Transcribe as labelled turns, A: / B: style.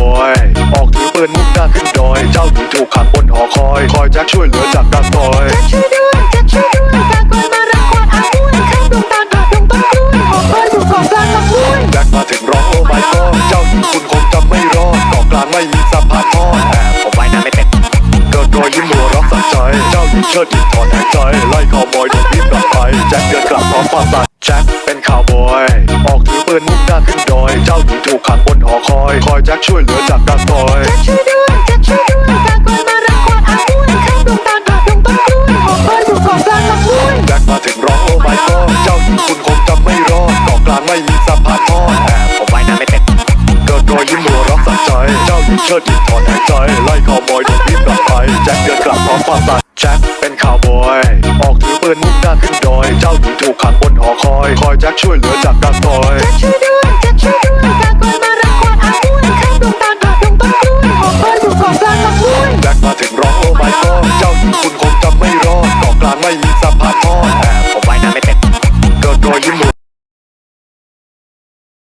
A: อยออกถือปืนมุ่งหน้าขึ้นดอยเจ้าหญิงถูกขังบนหอคอยคอยแจ็คช่วยเหลือจากการต่อย
B: แจ็คช่วยด้วยแจ็คช่วยด้วยกากอยมารังควานอาห้วยข้างดวงตาลดงต้นกล้วยหอคอยอยู่เกาะกลางลำห้วย
A: แจ็คมาถึงร้องโอ้ไม่ก็เจ้าหญิงคุณคงจำไม่รอดเกาะกลางไม่มีสะพานทอด
C: ผมว่ายน้ำไม่เป็น
A: เกิดรอยยิ้มหัวเรักสัใจเจ้าหญิงเชิดหญิงถอนหายใจไล่คาวบอยโดนรีบกลับไปแจ็คเดินกลับพร้อมความสัตย์แจ็คเป็นคาวบอยออกถือปืนมุ่งหน้าขึ้นดอยเจ้าหญิงถูกขังบนหอคอยคอยแจ็คช่วยเหลือจากการต่อย
B: แจ็คช่วยด้วยแจ็คช่วยด้วยกากอยมารังควานอาห้วยข้างดวงตาลดงต้นกล้วยหอคอยอยู่เกาะกลางลำห้วย
A: แจ็คมาถึงร้องโอ้ไม่ก็เจ้าหญิงคุณคงจำไม่รอดเกาะกลางไม่มีสะพานทอด
C: ผมว่ายน้ำไม่เป็น
A: เกิดรอยยิ้มหัวเรักสัใจเจ้าหญิงเชิดหญิงถอนหายใจไล่คาวบอยโดนรีบกลับไปแจ็คเดินกลับพร้อมความสัตย์แจ็คเป็นคาวบอยออกถือปืนมุ่งหน้าขึ้นดอยเจ้าหญิงถูกขังบนหอคอยคอยแจ็คช่วยเหลือจากการต่อย
B: แจ็คช่วยด้วยแจ็คช่วยด้วยกากอยมา